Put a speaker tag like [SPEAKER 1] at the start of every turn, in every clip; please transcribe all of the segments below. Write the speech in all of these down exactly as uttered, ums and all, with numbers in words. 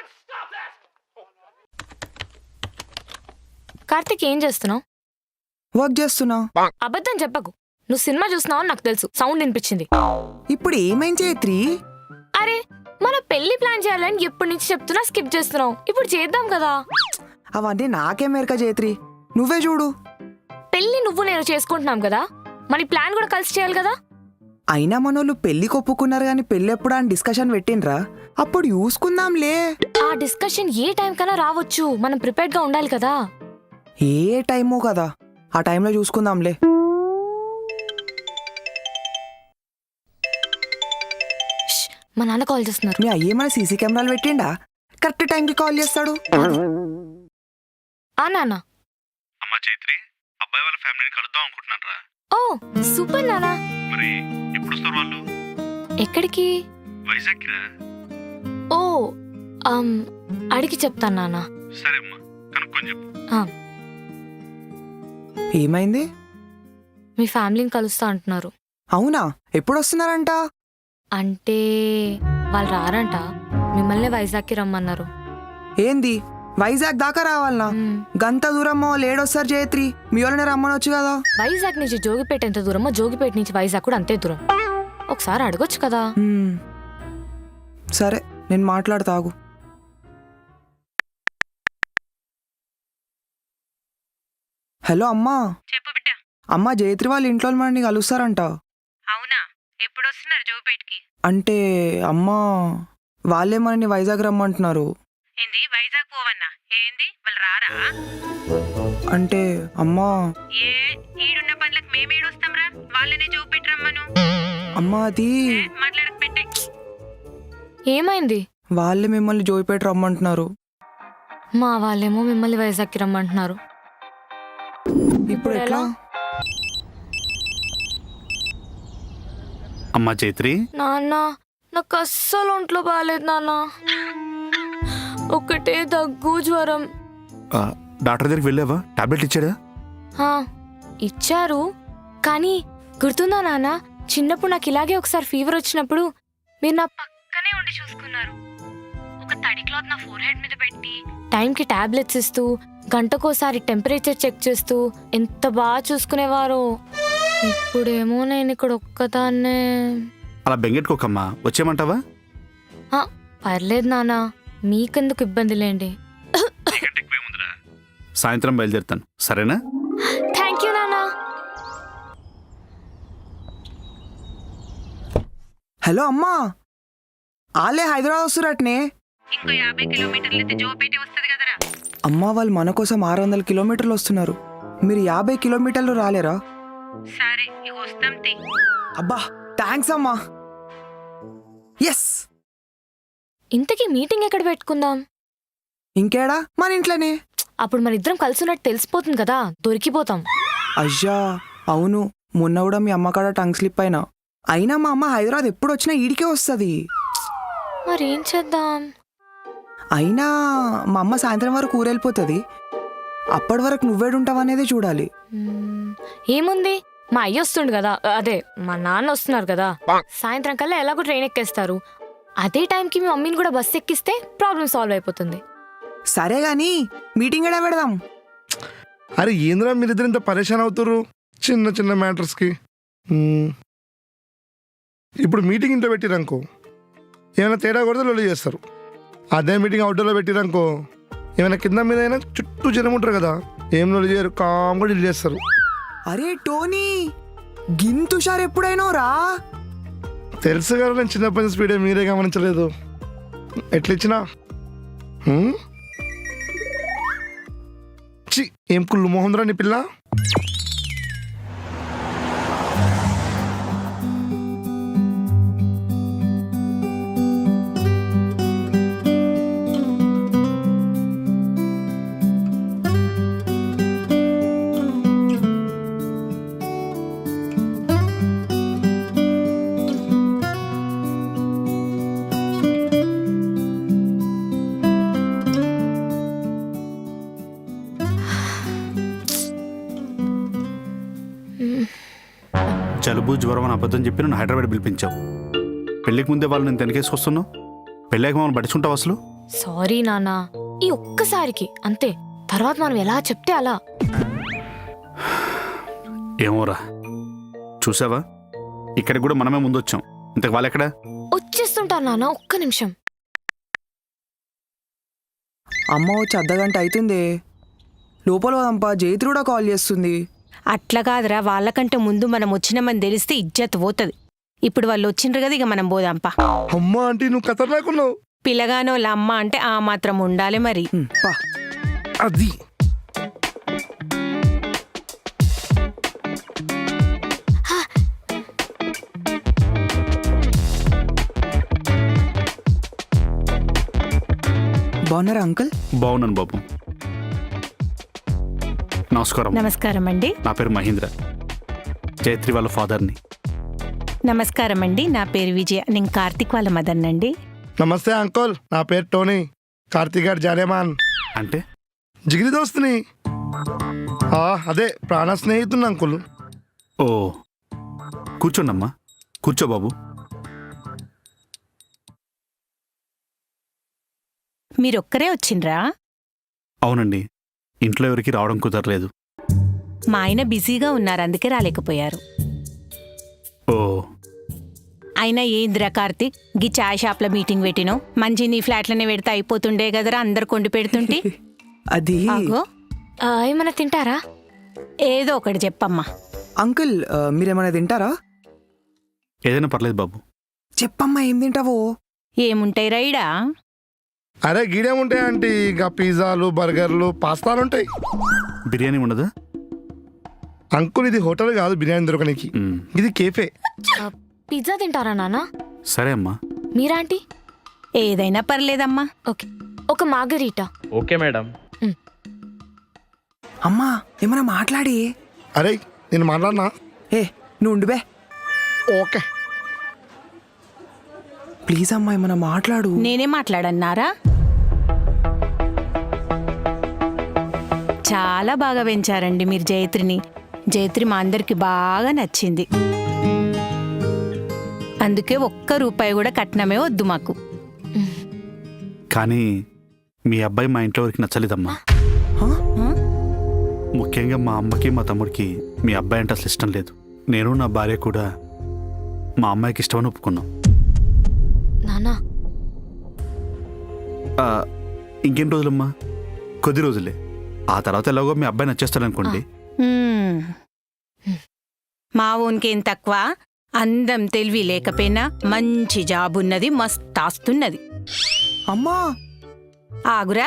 [SPEAKER 1] కార్తిక్ ఏం చేస్తున్నావు?
[SPEAKER 2] వర్క్ చేస్తున్నా.
[SPEAKER 1] అబద్ధం చెప్పకు. నువ్వు సినిమా చూస్తున్నావు నాకు తెలుసు. సౌండ్ వినిపించింది.
[SPEAKER 2] ఇప్పుడు ఏమైంది చైత్రి?
[SPEAKER 1] అరే మన పెళ్లి ప్లాన్ చేయాలని ఎప్పటి నుంచి చెప్తున్నా స్కిప్ చేస్తున్నావు. ఇప్పుడు చేద్దాం కదా.
[SPEAKER 2] అవన్నీ నాకే మేరక చైత్రి, నువ్వే చూడు.
[SPEAKER 1] పెళ్లి నువ్వు నేను చేసుకుంటున్నాం కదా, మరి ప్లాన్ కూడా కలిసి చేయాలి కదా.
[SPEAKER 2] అయినా మనోళ్ళు పెళ్లి కొప్పుకున్నారు గాని పెళ్లి ఎప్పుడు అని డిస్కషన్ పెట్టిండ్రా? అప్పుడు చూసుకుందాంలే.
[SPEAKER 1] ఆ డిస్కషన్ ఏ టైం కన్నా రావచ్చు. మనం ప్రిపేర్డ్ గా ఉండాలి కదా.
[SPEAKER 2] ఏ టైమో కదా, ఆ టైంలో చూసుకుందాంలే.
[SPEAKER 1] ష్, మా నాన్న కాల్ చేస్తున్నారు.
[SPEAKER 2] మీ అయ్యేమైనా సీసీ కెమెరాలు పెట్టిండా? కరెక్ట్ టైంకి కాల్ చేస్తాడు.
[SPEAKER 1] ఆ నాన్న.
[SPEAKER 3] అమ్మా చైత్రి, అబ్బాయి వాళ్ళ ఫ్యామిలీని కలుద్దాం అనుకుంటున్నారా?
[SPEAKER 1] ఓ సూపర్ నాన్న.
[SPEAKER 3] మరి ఎప్పుడు వస్తారు వాళ్ళు?
[SPEAKER 1] ఎక్కడికి?
[SPEAKER 3] వైజాగ్ రా.
[SPEAKER 1] ఓ అమ్, అడిగి చెప్తాను నాన్న.
[SPEAKER 3] సరే అమ్మా, కనుక్కొని చెప్పు.
[SPEAKER 2] ఏమైంది?
[SPEAKER 1] మీ ఫ్యామిలీని కలుస్తా అంటున్నారు.
[SPEAKER 2] అవునా? ఎప్పుడు వస్తున్నారంట?
[SPEAKER 1] అంటే వాళ్ళు రారంట, మిమ్మల్ని వైజాగ్కి రమ్మన్నారు.
[SPEAKER 2] ఏంది వైజాగ్ దాకా రావాలనా?
[SPEAKER 1] మ్,
[SPEAKER 2] గంత దూరమో లేడొస్తారు చైత్రి, మీ వాళ్ళని రమ్మనొచ్చు కదా.
[SPEAKER 1] వైజాగ్ నుంచి జోగిపేట ఎంత దూరమో జోగిపేట నుంచి వైజాగ్ కూడా అంతే దూరం. ఒకసారి అడగొచ్చు కదా.
[SPEAKER 2] మ్, సరే నేను మాట్లాడతాగు. హలో అమ్మా.
[SPEAKER 4] చెప్పు బిడ్డ.
[SPEAKER 2] అమ్మా జైత్రి వాళ్ళ ఇంట్లో మనని కలుస్తారంట.
[SPEAKER 4] అవునా? ఎప్పుడు వస్తున్నారు జోగిపేటకి?
[SPEAKER 2] అంటే అమ్మా వాళ్ళే మనని వైజాగ్ రమ్మంటున్నారు.
[SPEAKER 4] ఏంది వైజాగ్ పోవన్నా? ఏంది వాళ్ళు రారా?
[SPEAKER 2] అంటే అమ్మా
[SPEAKER 4] ఏ ఈడున్న పనులకు మేమేడొస్తాం రా, వాళ్ళనే జోగిపేట రమ్మను.
[SPEAKER 2] అమ్మా అది
[SPEAKER 4] ఏ, మాట్లాడక పెట్టే.
[SPEAKER 1] ఏమైంది?
[SPEAKER 2] వాళ్ళే మిమ్మల్ని జోయిపేట రమ్మంటున్నారు.
[SPEAKER 1] మా వాళ్ళేమో మిమ్మల్ని వైజాగ్కి రమ్మంటున్నారు.
[SPEAKER 2] ఇప్పుడు ఎట్లా?
[SPEAKER 3] అమ్మా చైత్రి,
[SPEAKER 1] నాన్న నాకు అస్సలు ఒంట్లో బాగాలేదు నాన్న. ఒకటే దగ్గు జ్వరం.
[SPEAKER 3] ఆ, డాక్టర్ దగ్గరికి వెళ్ళావా? టాబ్లెట్ ఇచ్చాడా?
[SPEAKER 1] హా, ఇచ్చారు. కానీ గుర్తుందా నాన్న, చిన్నప్పుడు నాకు ఇలాగే ఒకసారి ఫీవర్ వచ్చినప్పుడు మీరు నా పక్కనే ఉండి చూసుకున్నారు. ఒక తడి క్లాత్ నా ఫోర్ హెడ్ మీద పెట్టి టైంకి టాబ్లెట్స్ ఇస్తూ గంటకోసారి టెంపరేచర్ చెక్ చేస్తూ ఎంత బాగా చూసుకునేవారో. ఇప్పుడేమో నేను ఇక్కడ ఒక్కదాన్నే.
[SPEAKER 3] అలా బెంగెట్టుకోకమ్మా, వచ్చేయమంటావా?
[SPEAKER 1] ఆ, పర్లేదు నాన్న, మీకెందుకు ఇబ్బంది లేండి.
[SPEAKER 3] సాయంత్రం బయలుదేరుతాను, సరేనా?
[SPEAKER 1] థ్యాంక్ యూ నాన్న.
[SPEAKER 2] హలో అమ్మా, ఆలే హైదరాబాద్ వస్తురట్నే.
[SPEAKER 4] ఇంకో యాభై కిలోమీటర్లు అయితే జోగిపేట వస్తుంది కదరా.
[SPEAKER 2] అమ్మా వాళ్ళు మన కోసం ఆరు వందల కిలోమీటర్లు వస్తున్నారు, మీరు యాభై కిలోమీటర్లు రాలేరా?
[SPEAKER 4] సరే ఇక వస్తాం తి.
[SPEAKER 2] అబ్బా థ్యాంక్స్ అమ్మా. ఎస్.
[SPEAKER 1] ఇంతకీ మీటింగ్ ఎక్కడ పెట్టుకుందాం?
[SPEAKER 2] ఇంకేడా, మన ఇంట్లోనే.
[SPEAKER 1] అప్పుడు మన ఇద్దరం కలిసినట్టు తెలిసిపోతుంది కదా, దొరికిపోతాం.
[SPEAKER 2] అయ్యా అవును, మొన్న కూడా మీ అమ్మ కాడ టంగ్ స్లిప్ అయినా. అయినా మా అమ్మ హైదరాబాద్ ఎప్పుడు వచ్చినా ఈడికే వస్తుంది.
[SPEAKER 1] మరేం చేద్దాం?
[SPEAKER 2] అయినా మా అమ్మ సాయంత్రం వరకు ఊరెళ్ళిపోతుంది, అప్పటి వరకు నువ్వేడుంటావనేదే చూడాలి.
[SPEAKER 1] మ్మ్, ఏముంది, మా అయ్య వస్తుండు కదా, అదే మా నాన్న వస్తున్నారు కదా. సాయంత్రం కల్లా ఎలాగో ట్రైన్ ఎక్కేస్తారు. అదే టైంకి మీ మమ్మీని కూడా బస్సు ఎక్కిస్తే ప్రాబ్లం సాల్వ్ అయిపోతుంది.
[SPEAKER 2] సరే గాని మీటింగ్ ఎడా పెడదాం?
[SPEAKER 5] అరే ఏంద్రా మీరిద్దరు ఇంత పరేషాన్ అవుతారు చిన్న చిన్న మ్యాటర్స్కి. మ్మ్. ఇప్పుడు మీటింగ్ ఇంట్లో పెట్టిరనుకో ఏమైనా తేడా కొడితే లొల్లి చేస్తారు. అదే మీటింగ్ అవుట్డోర్లో పెట్టిరనుకో ఏమైనా కింద మీద అయినా చుట్టూ జనం ఉంటారు కదా, ఏం లొల్లి చేయరు, కామ్గా డీల్ చేస్తారు.
[SPEAKER 2] అరే టోనీ, గింతుషార్ ఎప్పుడైనా రా?
[SPEAKER 5] తెలుసు కదా నేను చిన్నప్పటి నుంచి స్పీడే మీరే గమనించలేదు. ఎట్లా ఇచ్చినా హ్మ్? చి ఏం కుళ్ళు మోహంద్రా నీ పిల్ల.
[SPEAKER 3] జలుబు జ్వరం అని అబద్ధం చెప్పి నన్ను హైదరాబాద్ పిలిపించావు. పెళ్ళికి ముందే వాళ్ళు నేను వెనకేసుకొస్తున్నావు, పెళ్ళాక మమ్మల్ని పట్టించుకుంటావు అసలు?
[SPEAKER 1] సారీ నానా, ఈ ఒక్కసారికి అంతే. తర్వాత మనం ఎలా చెప్తే అలా.
[SPEAKER 3] ఏమోరా, చూసావా ఇక్కడికి కూడా మనమే ముందొచ్చాం. ఇంతకు వాళ్ళెక్కడా?
[SPEAKER 1] వచ్చేస్తుంటారు నాన్న, ఒక్క నిమిషం.
[SPEAKER 2] అమ్మ వచ్చి అర్ధగంట అవుతుంది. లోపల పోదాంపా, జైత్రి కూడా కాల్ చేస్తుంది.
[SPEAKER 6] అట్లా కాదురా, వాళ్ళకంటే ముందు మనం వచ్చినామని తెలిస్తే ఇజ్జత్ పోతుంది. ఇప్పుడు వాళ్ళు వచ్చిండ్రు కదా, ఇక మనం పోదాంపా.
[SPEAKER 5] అమ్మ ఆంటీ నువ్వు ఖతర్నాకున్నావు.
[SPEAKER 6] పిల్లగానోళ్ళ అమ్మ అంటే ఆ మాత్రం ఉండాలి మరి.
[SPEAKER 2] హ్మ్, పా.
[SPEAKER 5] అది
[SPEAKER 2] బాగున్నారా అంకుల్?
[SPEAKER 3] బాగున్నాను బాబు. నమస్కారం.
[SPEAKER 6] నమస్కారం అండి.
[SPEAKER 3] నా పేరు మహేంద్ర, జయత్రి వాళ్ళ ఫాదర్ని.
[SPEAKER 6] నమస్కారం అండి, నా పేరు విజయ, నేను కార్తీక్ వాళ్ళ మదన్ అండి.
[SPEAKER 5] నమస్తే అంకుల్, నా పేరు టోనీ. కార్తీక్ గారు జానేమాన్
[SPEAKER 3] అంటే
[SPEAKER 5] జిగిరి దోస్తుని. ఆ, అదే ప్రాణ స్నేహితుని అంకుల్.
[SPEAKER 3] ఓ, కూర్చోండమ్మా, కూర్చో బాబు.
[SPEAKER 6] మీరొక్కరే వచ్చిండ్రా?
[SPEAKER 3] అవునండి, ఇంట్లో ఎవరికి రావడం కుదరలేదు.
[SPEAKER 6] మా ఆయన బిజీగా ఉన్నారు, అందుకే రాలేకపోయారు.
[SPEAKER 3] ఓ,
[SPEAKER 6] అయినా ఏంద్రా కార్తీక్, గీ చాయ్ షాప్లో మీటింగ్ పెట్టినో మంచి నీ ఫ్లాట్లోనే పెడితే అయిపోతుండే కదరా, అందరు కొండి పెడుతుంటే.
[SPEAKER 2] అది
[SPEAKER 6] ఆగో,
[SPEAKER 1] ఆ, ఏమైనా తింటారా?
[SPEAKER 6] ఏదో ఒకటి చెప్పమ్మా.
[SPEAKER 2] అంకుల్ ఆ, మీరేమైనా తింటారా?
[SPEAKER 3] ఏదైనా పర్లేదు బాబు.
[SPEAKER 2] చెప్పమ్మా, ఏం తింటావో?
[SPEAKER 6] ఏముంటాయి రైడా?
[SPEAKER 5] అరే గీడేముంటాయి ఆంటీ, ఇక పిజ్జాలు బర్గర్లు పాస్తాలు ఉంటాయి.
[SPEAKER 3] బిర్యానీ ఉండదా?
[SPEAKER 5] అంకుల్ ఇది హోటల్ కాదు బిర్యానీ దొరకనికి,
[SPEAKER 3] మ్,
[SPEAKER 5] ఇది కేఫే.
[SPEAKER 1] ఆ, పిజ్జా తింటారా నానా?
[SPEAKER 3] సరే అమ్మా.
[SPEAKER 1] మీరాంటీ?
[SPEAKER 6] ఏదైనా పర్లేదమ్మా.
[SPEAKER 1] ఓకే, ఒక మార్గరీటా.
[SPEAKER 7] Okay madam.
[SPEAKER 2] అమ్మా ఏమైనా మాట్లాడి.
[SPEAKER 5] అరే నేను మాట్లాడినా?
[SPEAKER 2] ఏ నువ్వు ఉండు బే.
[SPEAKER 5] ఓకే.
[SPEAKER 2] ప్లీజ్ అమ్మా ఏమైనా మాట్లాడు.
[SPEAKER 6] నేనే మాట్లాడన్నారా? చాలా బాగా పెంచారండి మీరు జయత్రిని. జయత్రి మా అందరికి బాగా నచ్చింది, అందుకే ఒక్క రూపాయి కూడా కట్నమే వద్దు మాకు.
[SPEAKER 3] కానీ మీ అబ్బాయి మా ఇంట్లో ఎవరికి నచ్చలేదమ్మా.
[SPEAKER 2] హా?
[SPEAKER 6] ఆ?
[SPEAKER 3] ముఖ్యంగా మా అమ్మకి మా తమ్ముడికి మీ అబ్బాయి అంటే అసలు ఇష్టం లేదు. నేను నా భార్య కూడా మా అమ్మాయికి ఇష్టమని ఒప్పుకున్నాం.
[SPEAKER 1] నానా,
[SPEAKER 3] ఆ, ఇంకెన్ని రోజులమ్మా? కొద్ది రోజులే. ఆ తర్వాత ఎలాగో మీ అబ్బాయి నచ్చేస్తాడనుకోండి.
[SPEAKER 6] మ్మ్. మా ఓన్కేం తక్కువ, అందం తెలివి లేకపోయినా మంచి జాబ్ ఉన్నది, మస్త్ ఆస్తున్నది.
[SPEAKER 2] అమ్మా
[SPEAKER 6] ఆగురా,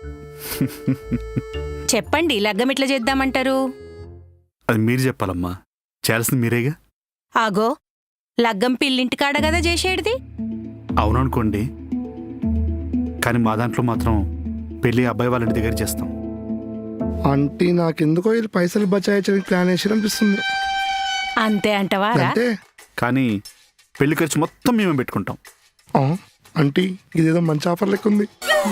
[SPEAKER 6] చెప్పండి లగ్గం ఎట్లా చేద్దామంటారు?
[SPEAKER 3] అది మీరు చెప్పాలమ్మా, చేయాల్సింది మీరేగా.
[SPEAKER 6] ఆగో, లగ్గం పిల్లింటికాడ కదా చేసేటిది.
[SPEAKER 3] అవుననుకోండి, కానీ మా దాంట్లో మాత్రం పెళ్ళి అబ్బాయి వాళ్ళ ఇంటి దగ్గర చేస్తాం.
[SPEAKER 5] ఆంటీ నాకెందుకో వీళ్ళు పైసలు బచాయించడానికి ప్లాన్ వేసి అనిపిస్తుంది.
[SPEAKER 6] అంతే అంటవారా?
[SPEAKER 5] అంటే
[SPEAKER 3] కానీ పెళ్లి ఖర్చు మొత్తం మేమే పెట్టుకుంటాం.
[SPEAKER 5] ఆ, ఆంటీ ఇదేదో మంచి ఆఫర్ లెక్క ఉంది.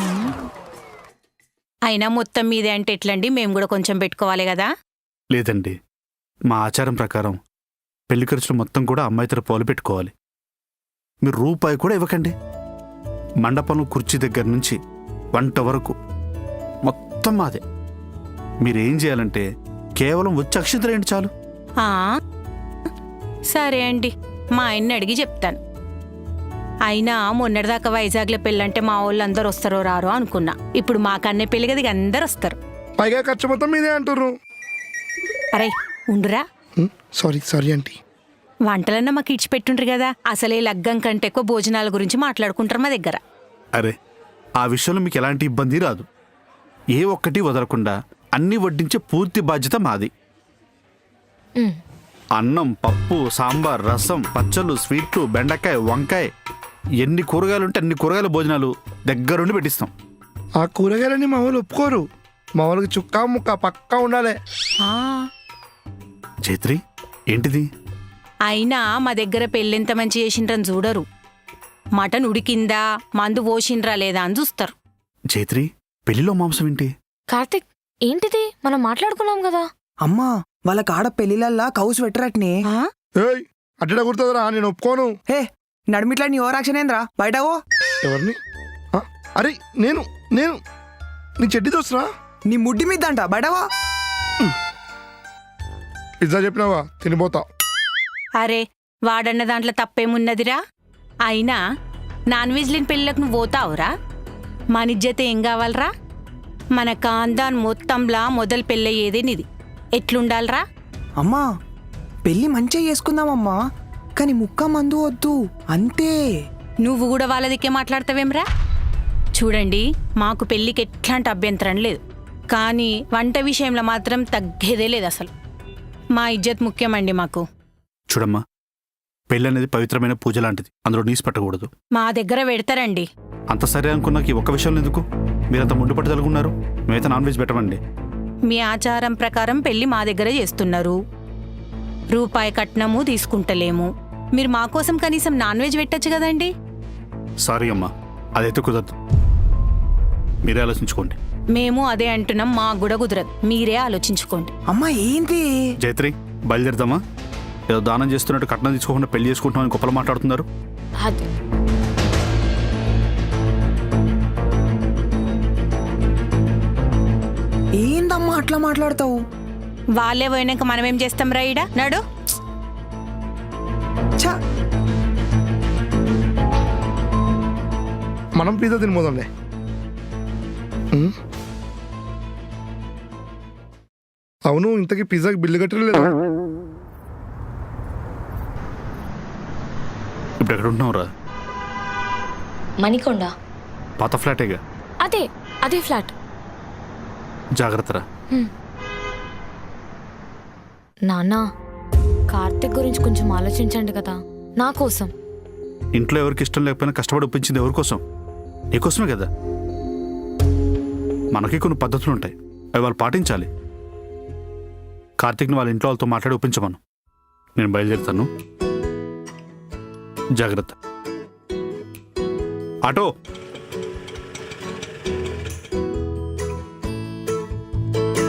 [SPEAKER 6] అయినా మొత్తం మీదే అంటే ఎట్లండి, మేము కూడా కొంచెం పెట్టుకోవాలి కదా.
[SPEAKER 3] లేదండి, మా ఆచారం ప్రకారం పెళ్లి ఖర్చులు మొత్తం కూడా అమ్మాయి తరపు వాళ్ళు పెట్టుకోవాలి. మీరు రూపాయి కూడా ఇవ్వకండి. మండపంలో కుర్చీ దగ్గర నుంచి వంట వరకు మొత్తం మాదే. మీరేం చేయాలంటే కేవలం వచ్చి అక్షింతలేండి చాలు.
[SPEAKER 6] ఆ, సరే అండి, మా ఆయన్ని అడిగి చెప్తాను. అయినా మొన్నటిదాకా వైజాగ్లో పెళ్ళంటే మా వాళ్ళు అందరు వస్తారో రారో అనుకున్నా. ఇప్పుడు మా కన్నే పెళ్ళి కదా, ఇక అందరు వస్తారు.
[SPEAKER 5] పైగా ఖర్చు మొత్తం మీదే అంటారు.
[SPEAKER 6] అరే ఉండురా,
[SPEAKER 5] సారీ సారీ ఆంటీ.
[SPEAKER 6] వంటలన్నా మాకు ఇచ్చిపెట్టుండ్రు కదా, అసలే లగ్గం కంటే ఎక్కువ భోజనాల గురించి మాట్లాడుకుంటారు మా దగ్గర.
[SPEAKER 3] అరే, ఆ విషయంలో మీకు ఎలాంటి ఇబ్బంది రాదు. ఏ ఒక్కటి వదలకుండా అన్నీ వడ్డించే పూర్తి బాధ్యత మాది.
[SPEAKER 1] ఉమ్,
[SPEAKER 3] అన్నం, పప్పు, సాంబార్, రసం, పచ్చళ్ళు, స్వీట్లు, బెండకాయ, వంకాయ, ఎన్ని కూరగాయలు ఉంటే అన్ని కూరగాయల భోజనాలు దగ్గరుండి పెట్టిస్తాం.
[SPEAKER 5] ఆ కూరగాయలని మా వాళ్ళు ఒప్పుకోరు. మా వాళ్ళకి చుక్కా ముక్క పక్కా ఉండాలి.
[SPEAKER 6] ఆ,
[SPEAKER 3] చైత్రి, ఏంటిది?
[SPEAKER 6] అయినా మా దగ్గర పెళ్ళెంత మంచి చేసిండ్రని చూడరు. మటన్ ఉడికిందా, మందు పోసిండ్రా లేదా అని చూస్తారు.
[SPEAKER 3] చైత్రి, పెళ్లిలో మాంసం ఏంటి?
[SPEAKER 1] కార్తిక్, ఏంటిది? మనం మాట్లాడుకున్నాం కదా.
[SPEAKER 2] అమ్మా వాళ్ళ కాడ పెళ్లిలల్లా కౌసు పెట్టరట్నే.
[SPEAKER 6] ఆ?
[SPEAKER 5] ఏయ్ అడ్డ కుడుతుందిరా, నేను ఒప్పుకోను.
[SPEAKER 2] హే నడిమిట్లా నీ ఓవర్ యాక్షన్ ఏంద్రా, బయటవో.
[SPEAKER 5] ఎవరిని? ఆ, అరే నేను నేను నీ చెడ్డి దోస్తురా.
[SPEAKER 2] నీ ముడ్డి మీద అంట బడవా.
[SPEAKER 5] పిజ్జా చెప్పినావా తినిపోతా.
[SPEAKER 6] అరే వాడన్న దాంట్లో తప్పేమున్నదిరా? అయినా నాన్ వెజ్ లేని పెళ్ళిళ్ళకు నువ్వు పోతావురా? మన ఇజ్జత ఏం కావాలరా? మన కాందాన్ మొత్తంలా మొదలు పెళ్ళయ్యేదే నీది. ఎట్లుండాలరా?
[SPEAKER 2] అమ్మా పెళ్ళి మంచిగా చేసుకుందామమ్మా, కానీ ముక్క మందు వద్దు అంతే.
[SPEAKER 6] నువ్వు కూడా వాళ్ళ దిక్కే మాట్లాడతావేమ్రా? చూడండి, మాకు పెళ్ళికి ఎట్లాంటి అభ్యంతరం లేదు, కానీ వంట విషయంలో మాత్రం తగ్గేదే లేదు అసలు. మా ఇజ్జత్ ముఖ్యమండి మాకు.
[SPEAKER 3] చూడమ్మా, పెళ్ళి అనేది పవిత్రమైన పూజ లాంటిది, అందులో నీసు పెట్టకూడదు.
[SPEAKER 6] మా దగ్గర పెడతారండి.
[SPEAKER 3] అంత సరే అనుకున్నాక ఈ ఒక్క విషయంలో ఎందుకు మీరంత ముందు పట్టుదలుగున్నారు? మేమైతే నాన్ వెజ్ పెట్టమండి.
[SPEAKER 6] మీ ఆచారం ప్రకారం పెళ్లి మా దగ్గర చేస్తున్నారు, రూపాయి కట్నము తీసుకుంటలేము. మీరు మా కోసం కనీసం నాన్ వెజ్ పెట్టచ్చు కదండి.
[SPEAKER 3] సారీ అమ్మా, అదైతే కుదరదు. మీరే ఆలోచించుకోండి.
[SPEAKER 6] మేము అదే అంటున్నాం, మాకు కూడా కుదరదు, మీరే ఆలోచించుకోండి.
[SPEAKER 2] అమ్మా ఏంటి?
[SPEAKER 3] జైత్రి, బయలుదేరుదామా? ఏదో దానం చేస్తున్నట్టు కట్నం తీసుకోకుండా పెళ్లి చేసుకుంటున్నామని గొప్పలు మాట్లాడుతున్నారు.
[SPEAKER 1] అది
[SPEAKER 2] ఏందమ్మా అట్లా మాట్లాడతావు?
[SPEAKER 6] వాళ్ళే పోయినాక మనం ఏం చేస్తాం రైడా? నడు.
[SPEAKER 2] ఛ,
[SPEAKER 5] మనం పిజ్జా తినిపోదాంలే. ఉమ్. అవును, ఇంతకీ పిజ్జాకి బిల్లు కట్టలేదు.
[SPEAKER 3] ఇప్పుడు ఎక్కడ ఉంటున్నావురా?
[SPEAKER 1] మణికొండ.
[SPEAKER 3] పాత ఫ్లాటేగా.
[SPEAKER 1] అదే అదే ఫ్లాట్.
[SPEAKER 3] జాగ్రత్తరా.
[SPEAKER 1] నాన్న, కార్తిక్ గురించి కొంచెం ఆలోచించండి కదా, నా కోసం.
[SPEAKER 3] ఇంట్లో ఎవరికి ఇష్టం లేకపోయినా కష్టపడి ఒప్పించింది ఎవరి కోసం? నీకోసమే కదా. మనకి కొన్ని పద్ధతులు ఉంటాయి, అవి వాళ్ళు పాటించాలి. కార్తీక్ని వాళ్ళ ఇంట్లో వాళ్ళతో మాట్లాడి ఒప్పించమను. నేను బయలుదేరుతాను. జాగ్రత్త. ఆటో.